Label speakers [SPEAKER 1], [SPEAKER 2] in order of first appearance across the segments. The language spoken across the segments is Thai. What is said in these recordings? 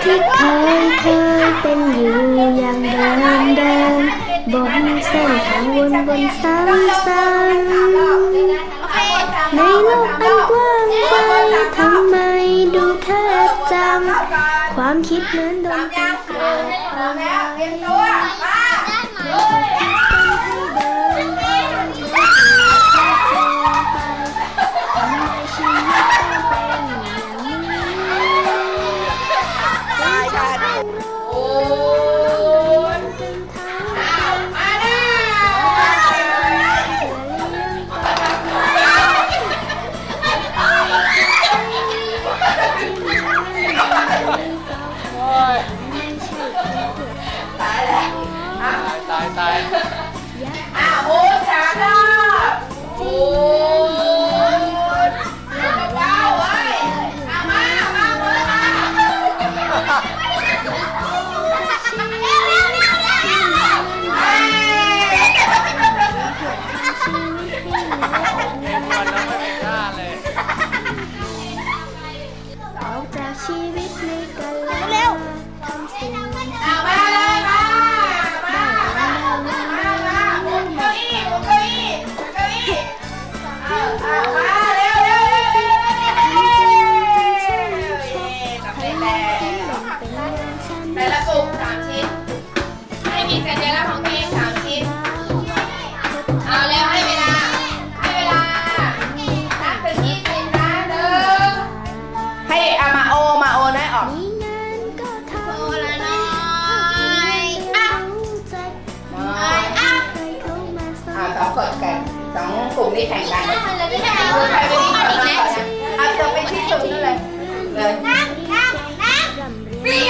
[SPEAKER 1] ที่เคยเป็นอยู่อย่างเดินบนเส้นทางวนซ้ำในโลกอันกว้างไกลทำไมดูแคบจังความคิดเหมือนโดนตีกรอบเอาไว้
[SPEAKER 2] ตายโอ้ชาดาโอ้เก้าไว้มาจากชีวิตในกันเร็วทำสิ่งมาเลยมาแต่ละกลุ่ม3 ชิ้นให้มีสัญลักษณ์ของตัวเอง3 ชิ้นเอาแล้วให้เวลานับถึง20นะให้เอามาโอน้อยออกโอละน้อย2 คนแข่ง2 กลุ่มนี้แข่งกันใครเป็นที่สุดเอาจะเป็นที่สุดนั่นเลยเบีย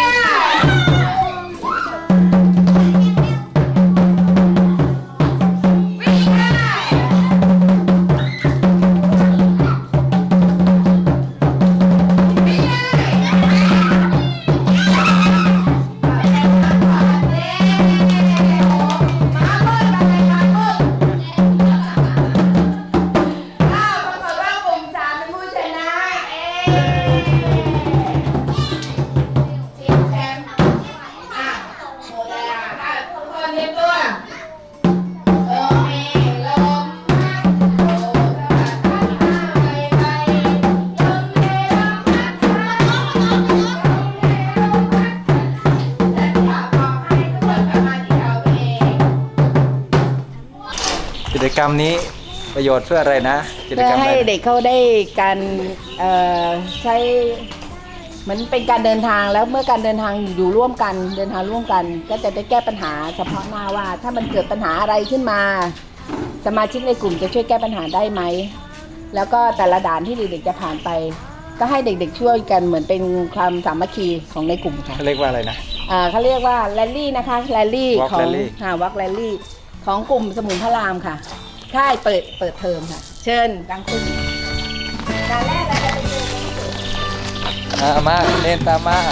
[SPEAKER 3] กิจกรรมนี้ประโยชน์เพื่ออะไรนะกิจกรรม
[SPEAKER 4] ให้เด็กเขาได้การใช้เหมือนเป็นการเดินทางแล้วเมื่อการเดินทางอยู่ร่วมกันเดินทางร่วมกันก็จะได้แก้ปัญหาเฉพาะหน้าว่าถ้ามันเกิดปัญหาอะไรขึ้นมาสมาชิกในกลุ่มจะช่วยแก้ปัญหาได้ไหมแล้วก็แต่ละด่านที่เด็กๆจะผ่านไปก็ให้เด็กๆช่วยกันเหมือนเป็นความสามัคคีของในกลุ่มค่ะ
[SPEAKER 3] เขาเรียกว่าอะไรนะ
[SPEAKER 4] เขาเรียกว่าแรลลี่นะคะแรลลี่
[SPEAKER 3] Walk
[SPEAKER 4] ของ
[SPEAKER 3] Rally
[SPEAKER 4] วักแรลลี่ของกลุ่มสมุนพระรามค่ะค่ายเปิดเทอมค่ะเชิญดังคุณด่านแรกเราจะไปเจอ
[SPEAKER 3] มาเล่นตามมา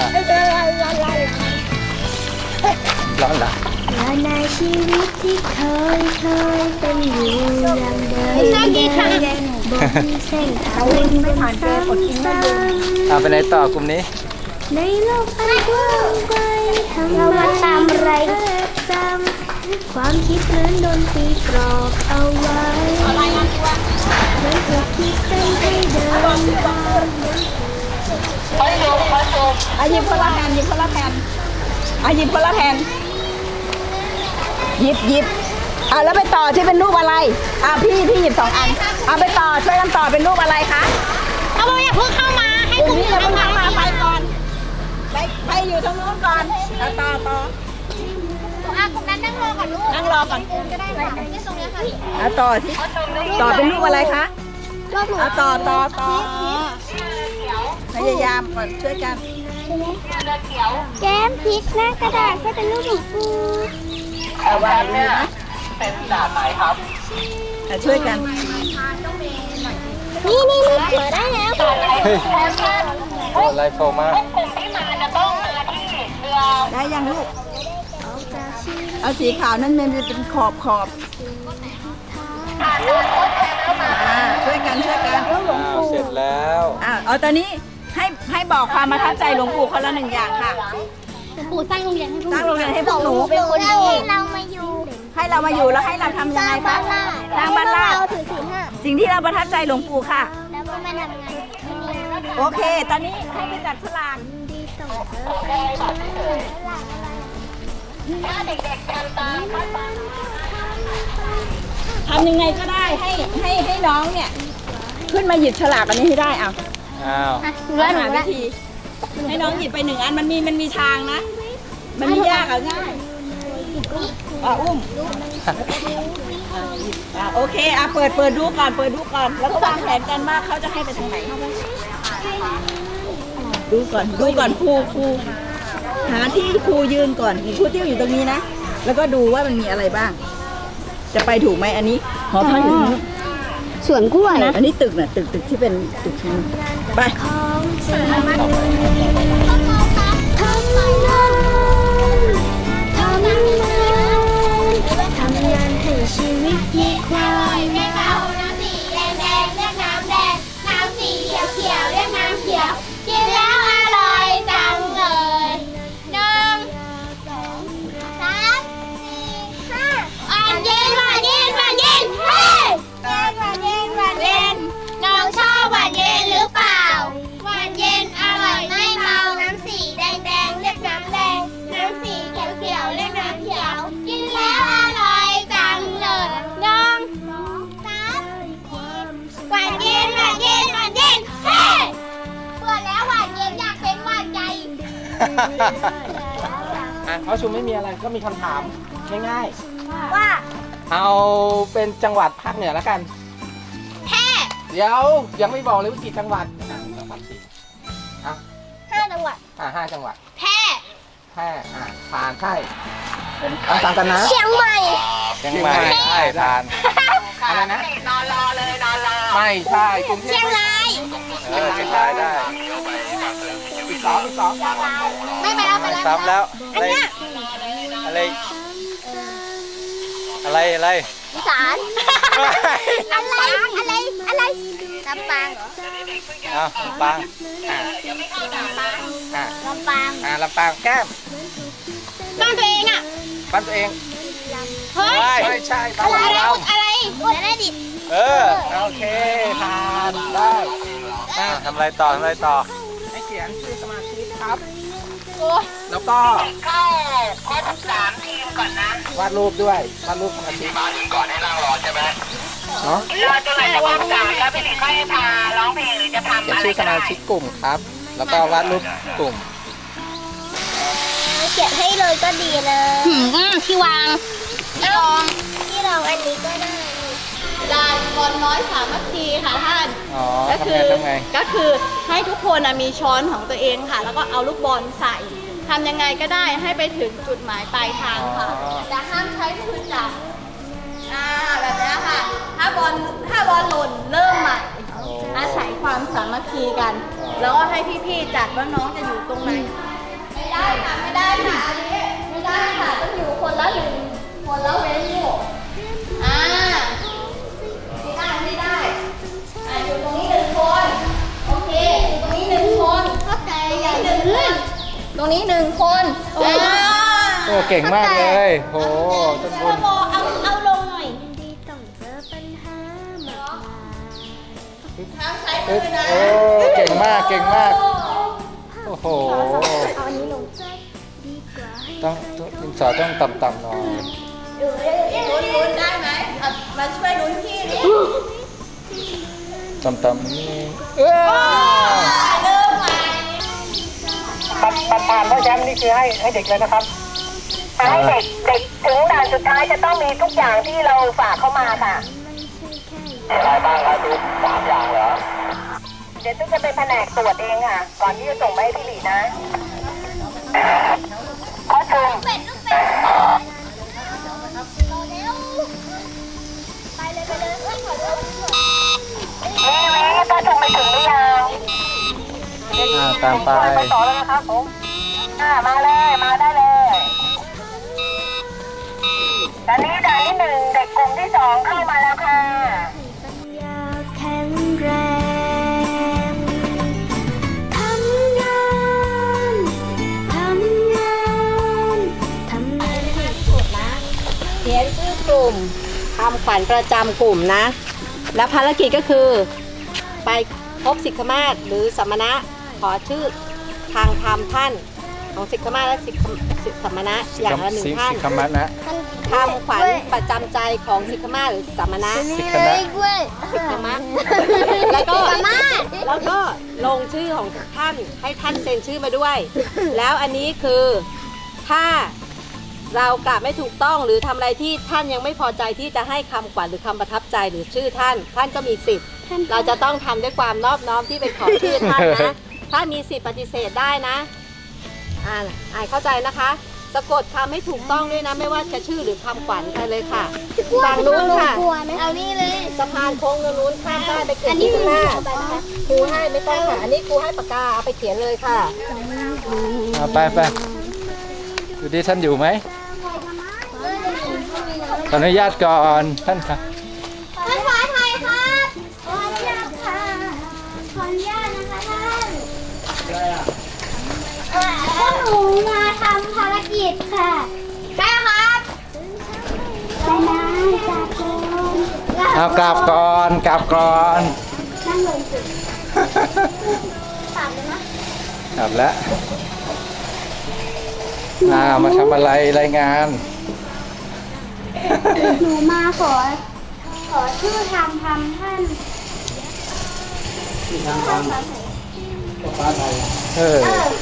[SPEAKER 3] ร้อนละ
[SPEAKER 1] และในชีวิตที่เคยเป็นอยู่อย่างเดิมบนเส้นทางซ้ำ
[SPEAKER 3] ไปไหนต่อกลุ่มนี้
[SPEAKER 1] ในโลกอันกว้างไกลทำไมตามไรจำความคิดเหมือนโดนตีกรอบเอาไว้เหมือนถูกขีดเส้นให้เดินตาม
[SPEAKER 4] หยิบคนละแผ่นหยิบคนละแผ่นหยิบคนละแผ่นหยิบแล้วไปต่อที่เป็นรูปอะไรพี่หยิบ2 อันไปต่อช่วยกันต่อเป็นรูปอะไรคะ
[SPEAKER 2] เอาอย่าเพิ่งเข้ามาให้กลุ่มนี้
[SPEAKER 4] เข้ามาไปก่อนไปอยู่ตรงนู้นก่อนต่อ
[SPEAKER 2] กลุ่มนั้นนั่งรอก่อนลูก
[SPEAKER 4] นั่งรอก่อน
[SPEAKER 2] ก็ได้ค่ะที่ตรงนี้ค่ะ
[SPEAKER 4] ต่อเป็นรูปอะไรคะต่อพยายามก่อนช่วยกัน
[SPEAKER 1] แก้มพริกหน้ากระดาษให้เป็นรูปหนูปู
[SPEAKER 4] วางเลยนะ
[SPEAKER 3] เป็นด่านไหนครับ
[SPEAKER 4] ช่วยกัน
[SPEAKER 1] นี่เปิดได้แล้ว
[SPEAKER 3] ไลฟ์โฟมา
[SPEAKER 4] ได้ยังลูกเอาสีขาวนั่นมันเป็นขอบช่วยกัน
[SPEAKER 3] เสร็จแล้ว
[SPEAKER 4] เอาตอนนี้ให้บอกความประทับใจหลวงปู่คนละหนึ่งอย่างค่ะ
[SPEAKER 1] ปู่สร้างโรงเรียนให้พวก
[SPEAKER 4] สร้างโรงเรียนให้พวกหนู
[SPEAKER 1] เป็นคนดีเรามาอยู่
[SPEAKER 4] ให้เรามาอยู่แล้วให้เราทำยังไงคะสร้างบ้านราช
[SPEAKER 1] เราถือศีลห้า
[SPEAKER 4] สิ่งที่เราประทับใจหลวงปู่ค่ะ
[SPEAKER 1] แล้วก็มาทำงานที่นี่
[SPEAKER 4] โอเค ตอนนี้ให้ไปจัดฉลาก
[SPEAKER 1] ดีส่งเธอไปถ้าเด็กๆทำตาม
[SPEAKER 4] ทำยังไงก็ได้ให้น้องเนี่ย ขึ้นมาหยิบฉลากอันนี้ให้ได้อ่ะ
[SPEAKER 3] อ้าว
[SPEAKER 4] หาวิธี ให้น้องหยิบไปหนึ่งอันมันมีทางนะ มันไม่ยากอ่ะง่ายอุ้มโอเคเปิดดูก่อนแล้วก็วางแผนกันว่าเขาจะให้ไปทางไหนดูก่อนครูหาที่ครูยืนก่อนครูติ้วอยู่ตรงนี้นะแล้วก็ดูว่ามันมีอะไรบ้าง จะไปถูกไหมอันนี้หอพักอยู่ตรงนี้
[SPEAKER 1] สวนกล้วยนะ
[SPEAKER 4] อันนี้ตึกน่ะตึกที่เป็นตึกชั้นไป
[SPEAKER 1] ของจริงทำงานทำงานให้ชีวิตมีความ
[SPEAKER 5] เรียกน้ำสีแดงแดงเรียกน้ำแดงน้ำสีเขียวเขียวเรียกน้ำเขียวกินแล้วอร่อยจังเลย1 2 3 4 5หวานเย็นเฮ้หวานเย็นน้องชอบหวานเย็นหรือเปล่าหวานเย็นอร่อยไม่เมาน้ำสีแดงแดงเรียกน้ำแดงน้ำสีเขียวเขียวเรียกน้ำเขียวกินแล้วอร่อยจังเลย1 2 3หวานเย็นเฮ้เบื่อแล้วหวานเย็นอยากเป็นหวานใจ
[SPEAKER 6] เขาชุมไม่มีอะไรก็มีคำถามง่าย
[SPEAKER 5] ว่า
[SPEAKER 6] ๆ เอาเป็นจังหวัดภาคเหนือแล้วกัน
[SPEAKER 5] แพร่
[SPEAKER 6] เดี๋ยวยังไม่บอกเลยว่ากี่จังหวัดจังหวัดสี่อ่ะ
[SPEAKER 5] 5 จังหวัด
[SPEAKER 6] 5 จังหวัด
[SPEAKER 5] แพร่
[SPEAKER 6] แพร่ผ่านใช่ตามกันนะ
[SPEAKER 5] เชียงใหม่
[SPEAKER 3] เชียงใหม่ได้ทาน
[SPEAKER 6] อะไรนะไม่ใช่กรุงเทพ
[SPEAKER 5] เชียงราย
[SPEAKER 3] เชียงรายได้
[SPEAKER 6] อีกสอง
[SPEAKER 5] ไม่ไปแล้วไป
[SPEAKER 3] ไม่
[SPEAKER 5] แล้ว
[SPEAKER 3] ซ้ำแล้ว
[SPEAKER 5] อันเนี้ย
[SPEAKER 3] อะไร
[SPEAKER 5] อีสานลำปางอะไรลำปางเหรอ
[SPEAKER 3] อ้าวปัง
[SPEAKER 5] ลำปาง
[SPEAKER 6] ลำปางแก้ม
[SPEAKER 5] บ้านตัวเองอ่ะ
[SPEAKER 6] บ้านตัวเอง
[SPEAKER 5] เฮ้ย
[SPEAKER 6] ไม่ใช่บ้าน
[SPEAKER 5] อะไร
[SPEAKER 6] เรา
[SPEAKER 5] อะไรอะไรดิ
[SPEAKER 3] เออ
[SPEAKER 6] โอเคผ่านได้
[SPEAKER 3] ทำอะไรต่อ
[SPEAKER 6] ให้เขียนชื่อสมาชิกครับ
[SPEAKER 5] โอ้ย
[SPEAKER 6] แล้วก็เข้าครบ3 ทีมก่อนนะวาดรูปด้วยวาดรูปสมาชิกมาถึงก่อนให้นั่งรอใช่ไหมเนาะรอจนไหนจะครบ3แล้วพี่หลิงค่อยพาร้องเพลงหรือจะทำอะไรชื่อสมาชิกกลุ่มครับ แล้วก็วาดรูปกลุ่ม
[SPEAKER 5] เขียนให้เลยก็ดีเลยที่วางที่รองอันนี้ก็ได้ลานบอลน้อยสามัคคีค่ะท่าน
[SPEAKER 3] อ๋อ
[SPEAKER 4] ก็คือ
[SPEAKER 3] ทำไง
[SPEAKER 4] ก็คือให้ทุกคนมีช้อนของตัวเองค่ะ แล้วก็เอาลูกบอลใส่ทำยังไงก็ได้ให้ไปถึงจุดหมายปลายทางค่ะแต่ห้ามใช้มือจับแบบนี้ค่ะถ้าบอลหล่นเริ่มใหม่อาศัยความสามัคคีกัน แล้วก็ให้พี่ๆจัดว่าน้องจะอยู่ตรงไหนไม่ได้ค่ะอันนี้ไม่ได้ค่ะต้องอยู่คนละเว้นอยู่ไม่ได้อยู่ตรงนี้1 คนโอเคอยู่ตรงนี้1 คนเข้าใจอย่าง1 คนตรงนี้1 คน
[SPEAKER 3] โอ้เก่งมากเลยโหต้นบุญ
[SPEAKER 5] เอาลงหน่อย
[SPEAKER 1] ดีต้องเจอปัญหามากมาย
[SPEAKER 4] ห้ามใช้มือนะ
[SPEAKER 3] โอ้เก่งมากโอ้โห
[SPEAKER 1] เอาอันนี้ลงดีกว่าให้
[SPEAKER 3] ต้องดินสอต้องต่ำๆหน่อย
[SPEAKER 4] ลุ้นได้ไหมมาช่วยลุ้นพี่ดิ
[SPEAKER 3] ต่ำๆนี่
[SPEAKER 4] เริ่มใหม่
[SPEAKER 6] ผ่านเพราะแชมป์นี่คือให้เด็กเลยนะครับ
[SPEAKER 7] ให้เด็กถึงด่านสุดท้ายจะต้องมีทุกอย่างที่เราฝากเข้ามาค่ะ
[SPEAKER 6] อะไรบ้างครับทุก3 อย่างเหรอ
[SPEAKER 7] เดี๋ยวตุ๊กจะเป็นแผนกตรวจเองค่ะ ก่อนที่จะส่งไปให้พี่หลีนะข้อชม
[SPEAKER 5] เป็ดลูกเป็ดเร็วไปเลยเอ้ยขอโทษ
[SPEAKER 7] วิข้อชมไปถึงหรือยัง
[SPEAKER 3] ตามไป
[SPEAKER 7] ไปต่อแล้วนะครับผมมาเลย มาได้เลย ตอนนี้ด่านที่ 1 เด็กกลุ่มที่ 2 เข้ามาแล้วค่ะ
[SPEAKER 1] ปัญญาแข็งแรงท
[SPEAKER 4] เขียนชื่อกลุ่มคำขวัญประจำกลุ่มนะ แล้วภารกิจก็คือ ไปพบสิกขมาศหรือสมณะขอชื่อทางธรรมท่านของสิกขมาศและสมณะอย่างละหนึ่งท่าน
[SPEAKER 3] สิกขมัตนะ
[SPEAKER 4] คำขวัญประจำใจของสิกขมาศหรือสมณะ
[SPEAKER 3] สิกขนะ
[SPEAKER 4] สิกขมะแล้วก็ลงชื่อของท่านให้ท่านเซ็นชื่อมาด้วย แล้วอันนี้คือถ้าเรากลับไม่ถูกต้องหรือทำอะไรที่ท่านยังไม่พอใจที่จะให้คำขวัญหรือคำประทับใจหรือชื่อท่านก็มีสิทธิ์เราจะต้องทำด้วยความนอบน้อมที่เป็นของชื่อท่านนะถ้ามีสิทธิ์ปฏิเสธได้นะเข้าใจนะคะ สะกดคำให้ถูกต้องด้วยนะไม่ว่าจะชื่อหรือคำขวัญไปเลยค่ะฝั่งนู้นค่ะ
[SPEAKER 5] เอานี่เลย
[SPEAKER 4] สะพานโค้งนู้นข้ามได้ไปเขียนที่ข้างหน้าครูให้ไม่ต้องค่ะอันนี้ครูให้ปากกาเอาไปเขียนเลยค่ะ
[SPEAKER 3] เอาไปดูดิท่านอยู่ไหมขออนุญาตก่อนท่านค่ะ
[SPEAKER 5] ท่านขอไทยครับขออนุญาตค่ะขออนุญาตนะคะท่านพวกหนูมาทำภารกิจค่ะใช่ครับไปนะจากคน
[SPEAKER 3] เอากลับก่อน
[SPEAKER 5] นั่งลงสิถามเลยนะ
[SPEAKER 3] กลับแล้วมาทำอะไรรายงาน
[SPEAKER 5] หนูมาขอชื่อทำท่าน
[SPEAKER 3] เออ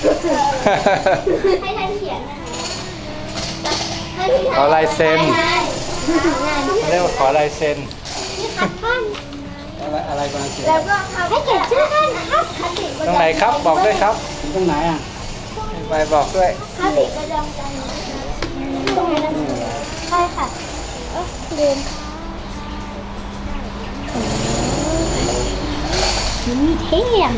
[SPEAKER 5] ให้ท่านเขียนนะคะ
[SPEAKER 3] ขอลายเซ็น เรียกว่าขอลายเซ็น
[SPEAKER 5] นี่ครับท่าน
[SPEAKER 3] อะไรบ้างเซ็น
[SPEAKER 5] แล้วก็ให้เขียนชื่อท่านนะครับคติประ
[SPEAKER 3] ตรง
[SPEAKER 5] จำ
[SPEAKER 3] ไหนครับบอกด้วยครับตรงไหนอ่ะไปบอกด้วย
[SPEAKER 5] คติประจำใจตรงนั้นใช่ค่ะเดินนี่เท่อะ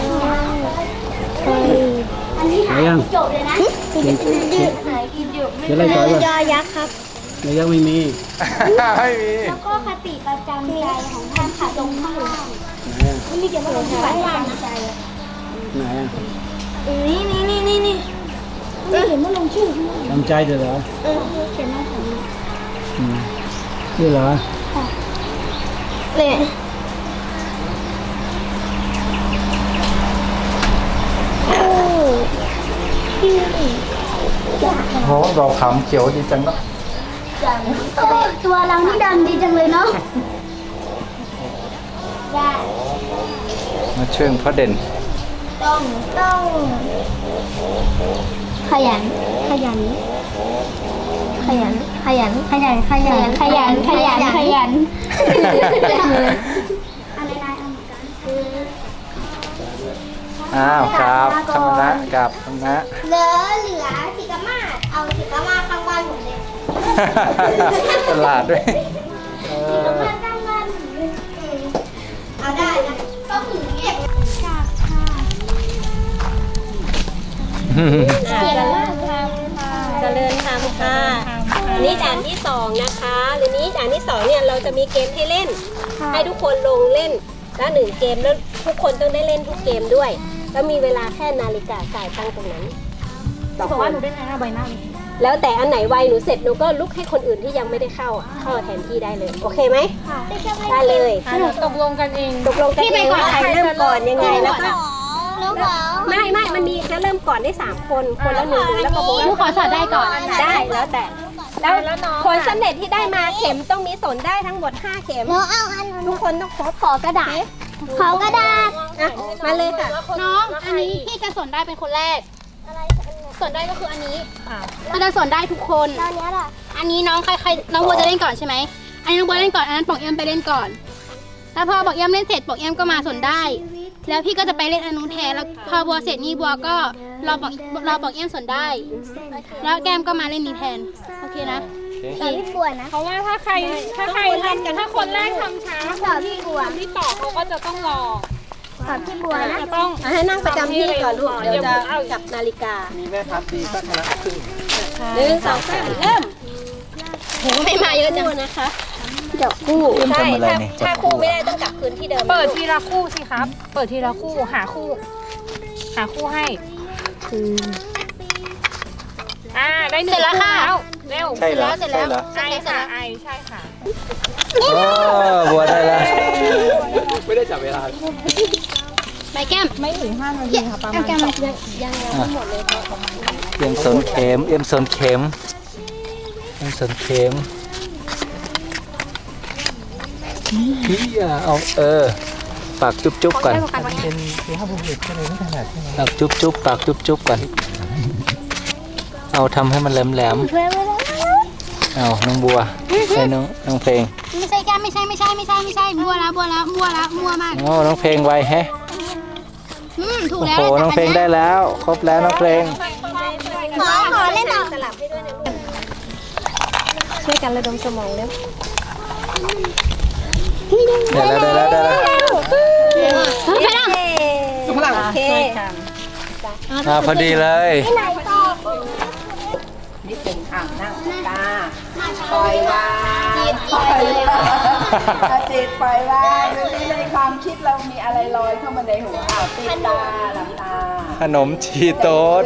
[SPEAKER 5] อันนี้หายจบเลยนะยืดหายกินอยู่ไม่เป็นไรยอยักษ์ครับ
[SPEAKER 3] ยังไม่มี ไม่มี
[SPEAKER 5] แล้วก็คติประจำใจของท่านค่ะตรงข้างล่างมันมีเกี่ยวกับคติประจำใจ
[SPEAKER 3] ไหนอ่ะ
[SPEAKER 5] นี่ไม่เห็นว่าลงชื่อ
[SPEAKER 3] ทำใจเถอะเหรอ
[SPEAKER 5] เขียนมาของ
[SPEAKER 3] นี่เหรอ
[SPEAKER 5] เลย
[SPEAKER 3] โหดอกขามเขียวดีจังเนาะ
[SPEAKER 5] ตัวเรานี่ดำดีจังเลยเนาะ
[SPEAKER 3] มาเชิงพระเด่น
[SPEAKER 5] ต้องขยันอะไรนายเอาเหมือนกัน
[SPEAKER 3] อ้าวครับธรรมนะกับธรรมนะ
[SPEAKER 5] เหลือสิกามาศเอาสิกามาข้างบ้านผมเลย
[SPEAKER 3] ตลาดด้วย
[SPEAKER 5] สิกามาข้างบ้านผมเลยเอาได้นะก็ถึงเก็บจากค่ะเก่งมากค่ะ
[SPEAKER 4] เจริญธรรมค่ะนี่ด่านที่2นะคะหรือนี้ด่านที่2เนี่ยเราจะมีเกมให้เล่น ให้ทุกคนลงเล่นแล้ว1เกมแล้วทุกคนต้องได้เล่นทุกเกมด้วย แล้วมีเวลาแค่นาฬิกาสายตั้งตรงนั้นบอกว่าหนูได้นะใบหน้าแล้วแต่อันไหนไวหนูเสร็จหนูก็ลุกให้คนอื่นที่ยังไม่ได้เข้าแทนที่ได้เลยโอเคไหมได้เลยตกลงกันเองว่าใครเริ่มก่อนยังไงแล้วก็ไม่มันมีจะเริ่มก่อนได้3คนคนละ1แล้วก็โบนขอสอดได้ก่อนได้แล้วแต่แล้วผลสำเร็จที่ได้มาเข็มต้องมีสนได้ทั้งหมด5เข็มทุกคนต้องขอกระดาษ
[SPEAKER 5] ขอกระดาษ
[SPEAKER 4] อ่ะมาเลยค่ะ
[SPEAKER 8] น้องอันนี้ที่จะสนได้เป็นคนแรกสนได้ก็คืออันนี้มันจะสนได้ทุกคน
[SPEAKER 5] ตอนนี้ล่ะ
[SPEAKER 8] อันนี้น้องใครน้องบัวจะเล่นก่อนใช่ไหมอันนี้น้องบัวเล่นก่อนอันนั้นปองเอี้ยมไปเล่นก่อนแล้วพอบอกเอี้ยมเล่นเสร็จบอกเอี้ยมก็มาสนได้ แล้วพี่ก็จะไปเล่นอันนู้นแทนแล้วพอบัวเสร็จนี่บัวก็รอบอกเอี้ยมสนได้ แล้วแก้มก็มาเล่นนี้แทนโอเคนะ
[SPEAKER 5] แต่พี่บัวนะ
[SPEAKER 9] เพราะว่าถ้าใครทำถ้าคนแรกทำช้า
[SPEAKER 5] สอนพี่บัว
[SPEAKER 9] คนที่ต่อเขาก็จะต้องรอ
[SPEAKER 5] สอนพี่บัวนะ
[SPEAKER 9] จะต้อง
[SPEAKER 4] ให้นั่งประจำที่ก่อนลูกเดี๋ยวจะจับนาฬิกา
[SPEAKER 3] มีแม่ทัพดีก็ชนะครึ่ง
[SPEAKER 4] 1 2 3เริ่ม
[SPEAKER 8] โหไม่มาเยอะจัง
[SPEAKER 4] นะคะจับคู่ใช่ถ้าคู่ไม่ได้ต้องกลับคืนที่เดิม
[SPEAKER 9] เปิดทีละคู่สิครับ เปิดทีละคู่หาคู่ให้ได้หนึ่ง
[SPEAKER 8] เสร็จแล้วค่ะ
[SPEAKER 9] เร็ว
[SPEAKER 3] ใช่เหรอ
[SPEAKER 8] เสร็จแล้ว
[SPEAKER 3] ใช่เหรอ
[SPEAKER 8] เสร็จแล้ว
[SPEAKER 9] ไอใช่ค่ะ
[SPEAKER 3] โอ้บัวได้แล้ว
[SPEAKER 2] ไม่ได้จับเวลา
[SPEAKER 8] ใบแก้มไม่ถึง5 นาทีค่ะประมาณแก้มยังหมดเลย
[SPEAKER 3] เอ็มสนเข็มเอ็มสนเข็มเอ็มสนเข็มพี่เอาปากจุ๊บๆก่อนปากจุ๊บๆปากจุ๊บๆก่อนเอาทำให้มันแหลมๆเอาน้องบัวให้น้องเพลง
[SPEAKER 8] ไม่ใช่แก้มไม่ใช่มัวแล้วมัวมาก
[SPEAKER 3] โอ้น้องเพลงไวแฮะ
[SPEAKER 8] ถูก
[SPEAKER 3] โอ้
[SPEAKER 8] แล้ว
[SPEAKER 3] โหน้องเพลงได้แล้วครบแล้วน้องเพลง
[SPEAKER 5] ขอเล่นต่อ
[SPEAKER 1] ช่วยกันระดมสมองเร็ว
[SPEAKER 3] ได้แล้ว
[SPEAKER 8] ไปแล้ว
[SPEAKER 4] ข้างหลังโอเค
[SPEAKER 3] พอดีเลย
[SPEAKER 4] นี่เป็นนั่งตาปล่อยวางปล่อยวางจิตปล่อยวางดูสิในความคิดเรามีอะไรลอยเข้ามาในหัวปิดตาหลับตา
[SPEAKER 3] ขนมชีโต๊ด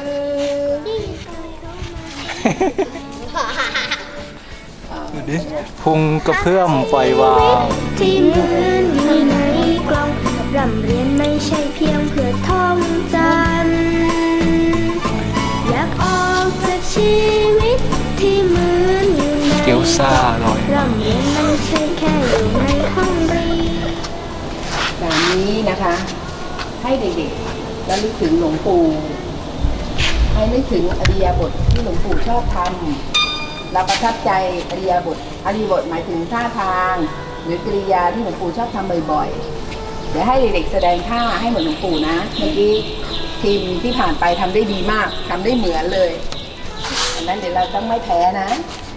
[SPEAKER 3] ดูดิพุงกระเพื่อมปล่อยวาง
[SPEAKER 1] ที่เหมือนอยู่ในกล่องร่ำเรียนไม่ใช่เพียงเพื่อท่องจำอยากออกจากชีวิตที่เหมือนอยู่ใน
[SPEAKER 3] เกี๊ยวซ่าอร่อย
[SPEAKER 1] ร่ำเรียนไม่ใช่แค่อยู่ในห้องเรียน
[SPEAKER 4] แบบนี้นะคะ ให้เด็กๆแล้วนึกถึงหลวงปู่ให้นึกถึงอริยบทที่หลวงปู่ชอบทำเราประทับใจอริยบทหมายถึงท่าทาง หรือกริยาที่หลวงปู่ชอบทำบ่อยๆเดี๋ยวให้เด็กๆแสดงท่าให้เหมือนหลวงปู่นะเมื่อกี้ทีมที่ผ่านไปทำได้ดีมากทำได้เหมือนเลยอันนั้นเดี๋ยวเราต้องไม่แพ้นะ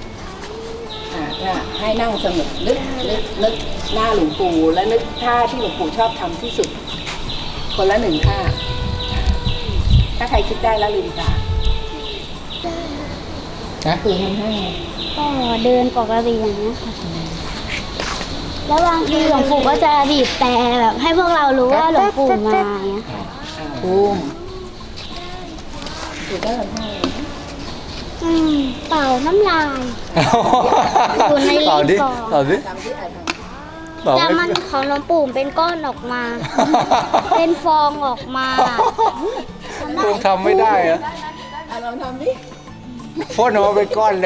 [SPEAKER 4] ให้นั่งสงบนึกหน้าหลวงปู่และนึกท่าที่หลวงปู่ชอบทำที่สุด คนละ1 ท่าถ้าใครคิดได้แล้วลืมตาคือทำให้
[SPEAKER 5] ก็เดินปกติอย่างนี้ค่ะแล้วบางทีหลวงปู่ก็จะบีบแต่แบบให้พวกเรารู้ว่าหลวงปู่มาอย่างเงี้ยค่ะ
[SPEAKER 4] ภูมิถูกได้หรือไม่
[SPEAKER 5] เป่าน้ำลาย อยู่ในลิ้น
[SPEAKER 3] เอาดิ
[SPEAKER 5] ก่อน
[SPEAKER 3] เอาดิ
[SPEAKER 4] จำที่อ่าน
[SPEAKER 3] บอก
[SPEAKER 5] แล้ว
[SPEAKER 3] ไม่
[SPEAKER 5] มันของหลวงปู่เป็นก้อนออกมา เป็นฟองออกมา
[SPEAKER 3] คงทำไม่ได้เหรอ
[SPEAKER 4] ลองทำดิ
[SPEAKER 3] พ่นออกมาเป็นก้อนเลย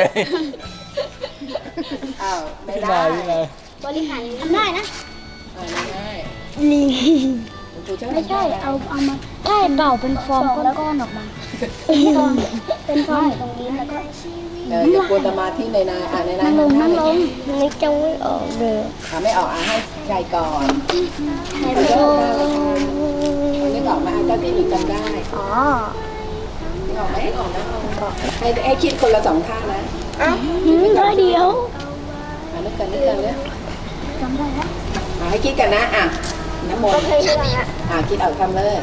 [SPEAKER 4] อ้าวไม่
[SPEAKER 3] พี่
[SPEAKER 4] ได้
[SPEAKER 3] นายพี่นาย
[SPEAKER 5] บริหารทำได้นะ
[SPEAKER 4] ไม่ได้
[SPEAKER 5] ลิง
[SPEAKER 4] หลวงปู่ชอบ
[SPEAKER 5] ไม่ใช่ เอามาใช่เป่าเป็นฟองก้อนๆออกมา เป็นฟองตรงนี้แล้วก็
[SPEAKER 4] อย่ากวนสมาธิในนายในนาย
[SPEAKER 5] นั่งลงนึกจะไม่ออกเลย
[SPEAKER 4] ไม่ออกให้ใจก่อน
[SPEAKER 5] ใช่ไหม
[SPEAKER 4] นึกออกไหมเจ้าที่หนูจำได้
[SPEAKER 5] อ๋อ
[SPEAKER 4] นึกออกไหมออกนะให้คิดคนละ2 ท่านะ
[SPEAKER 5] ได้เดียว
[SPEAKER 4] นึกกันเลย
[SPEAKER 5] จำได้แล้ว
[SPEAKER 4] ให้คิดกันนะน้ำมนต์คิดเอาทำเลย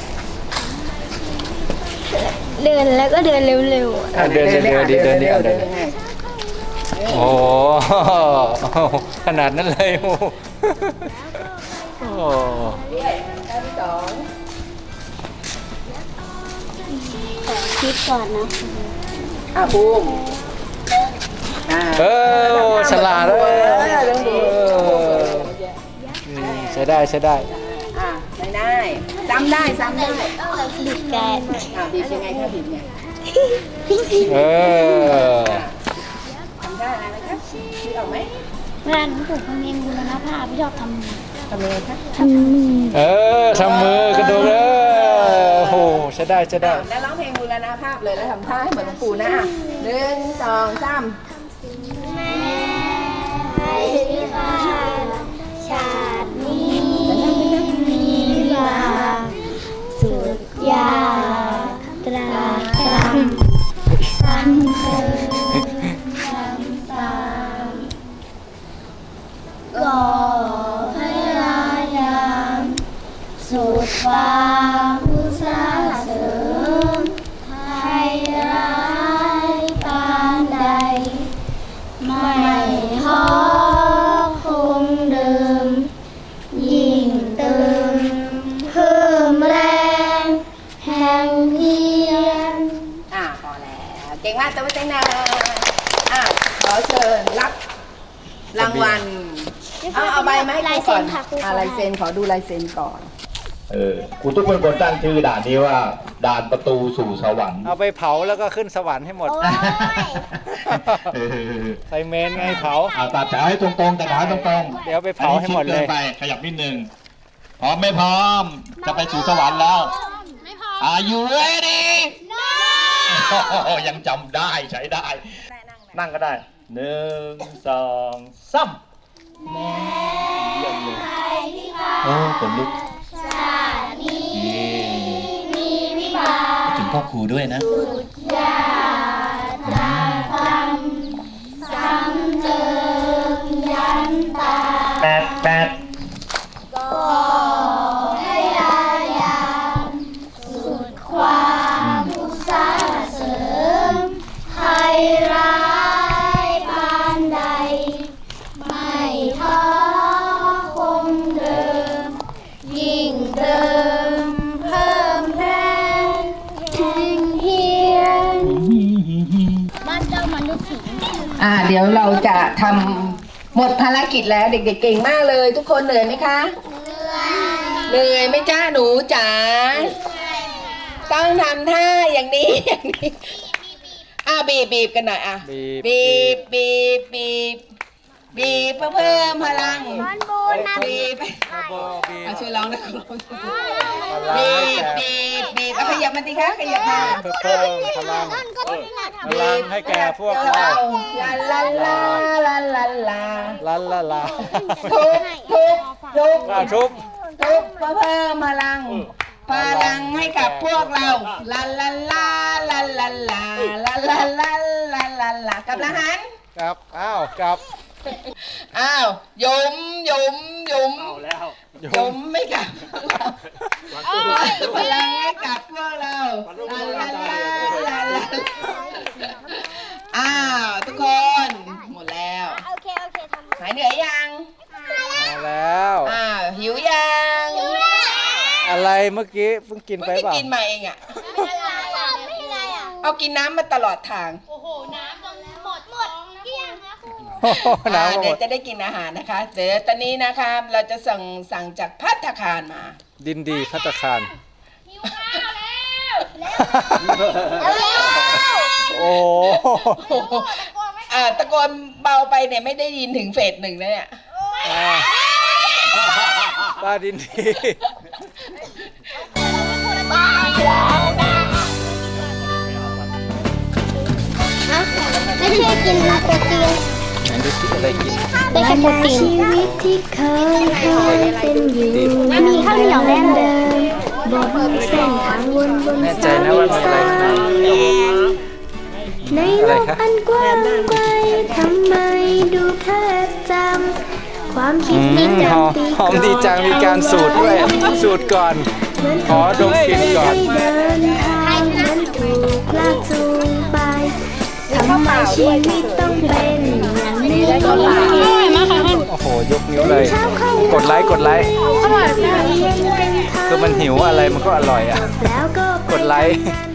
[SPEAKER 5] เดินแล้วก็เดินเร็ว
[SPEAKER 3] เดินดิเดินดิเอาเดินโอ้ขนาดนั้นเลยโอ้โห
[SPEAKER 4] ท่าที่
[SPEAKER 5] ๆขอคิดก่อนนะ
[SPEAKER 4] 2ภูมิ
[SPEAKER 3] ฉลาดเลยใช้ได้
[SPEAKER 4] ได้ซ้ำได้
[SPEAKER 5] บิดแกน
[SPEAKER 4] บีบยังไงถ้าบีบเนี่ย ทำได้อะไรครับคิดออกไหม
[SPEAKER 5] เวลาหนูถูกคนเองบูรณภาพไม่ชอบทำ
[SPEAKER 4] ทำยังไงคะ
[SPEAKER 5] ทำมือ
[SPEAKER 3] ทำมือกระโดดเลยโอ้โหใช้ได้
[SPEAKER 4] แล้วร้องเพลงบูรณภาพเลยแล้วทำท่าให้เหมือนหลวงปู่นะ1 2 3
[SPEAKER 5] แม่ให้ข้าชาตินี้มีลาสุดยาตราตรำสันเคยทำตามก่อให้รายามสุดความอุตสาห์เสริมให้ร้ายปานใด ไม่ท้อคงเดิม ยิ่งเติมเพิ่มแรงแห่งเพียร
[SPEAKER 4] พอแล้วรางวัลเอาใบมาให้ครูก่อนลายเซ็นขอดูลายเซ็นก่อน
[SPEAKER 10] ครูตุ๊กเป็นคนตั้งชื่อด่านนี้ว่าด่านประตูสู่สวรรค์
[SPEAKER 3] เอาไปเผาแล้วก็ขึ้นสวรรค์ให้หมดใส่เมนไงเผา
[SPEAKER 10] ตัดแถวให้ตรงๆตัดแถวให้ตรงๆ
[SPEAKER 3] เดี๋ยวไปเผาให้หมดเลย
[SPEAKER 10] ไปขยับนิดนึงพร้อมไม่พร้อมจะไปสู่สวรรค์แล้ว
[SPEAKER 8] ไม่พอ
[SPEAKER 10] Are you ready ยังจำได้ใช้ได้ นั่งก็ได้1 2 3เยี่ยมเลยโอ้ขนลุกถึงพ่อครูด้วยนะแปด
[SPEAKER 4] เดี๋ยวเราจะทำหมดภารกิจแล้วเด็กๆเก่งมากเลยทุกคนเหนื่อยไหมคะเหนื่อยไหมจ้าหนูจ๋าต้องทำท่าอย่างนี้บีบกันหน่อยบีบเพื่อเพิ่มพลังบีบช่วยร้องนะบีบขยับมันสิคะขยับมา
[SPEAKER 3] เพิ่มพลังให้แก่พวกเรา
[SPEAKER 4] ลาลาลาลาลาทุบเพื่อเพิ่มพลังให้กับพวกเราลาลาลาลาลาลาลาลาลาลาลาลากับละหัน
[SPEAKER 3] กับกับ
[SPEAKER 4] ยมไม่กลับพลังให้กับพวกเราลาลาลาลาลาทุกคนหมดแล้ว
[SPEAKER 5] โอเคทำ
[SPEAKER 4] หายเหนื่อยยัง
[SPEAKER 3] มาแล้ว
[SPEAKER 4] หิวยัง
[SPEAKER 3] อะไรเมื่อกี้เพิ่งกินไปเปล่า
[SPEAKER 4] กินมาเองเอากินน้ำมาตลอดทาง
[SPEAKER 8] โอ้โห น้ำหมดเกลี้ยงนะครู
[SPEAKER 4] เดี๋ยวจะได้กินอาหารนะคะเดี๋ยวตอนนี้นะคะเราจะสั่งจากภัตตาคารมา
[SPEAKER 3] ดินดีภัตตาคาร
[SPEAKER 8] หิวข้าวแล้ว
[SPEAKER 3] โอ้
[SPEAKER 4] ตะโกนเบาไปเนี่ยไม่ได้ยินถึงเฟส 1แล้วเนี่ย
[SPEAKER 3] ป้าดินดี
[SPEAKER 5] ไม่ใช่กินโปรตีน
[SPEAKER 3] ไหนดูสิอะไรกิน
[SPEAKER 5] ได้แค่โปรตีน
[SPEAKER 1] ชีวิตที่เคยเป็นอยู่
[SPEAKER 5] มีข้าวเหนียวแน่นเลย
[SPEAKER 1] บนเส้นทางวน
[SPEAKER 3] แน่ใจนะว่ามีอะไรข้างใน
[SPEAKER 1] ในโลกอันกว้างไกลทำไมดูแทบจำความคิดนี้
[SPEAKER 3] หอมดีจังมีการสูตรด้วยสูตรก่อนขอดมกลิ่นก่อน
[SPEAKER 1] เดินทางนั้นถูกลากจูงไปทำไมชีวิตต้องเป็นอย่างนี้
[SPEAKER 3] โอ้โหยกนิ้วเลยกดไลค์
[SPEAKER 1] อร่อย
[SPEAKER 3] คือมันหิวอะไรมันก็อร่อยอ่ะ
[SPEAKER 1] แล้วก็
[SPEAKER 3] กดไลค์
[SPEAKER 1] ไป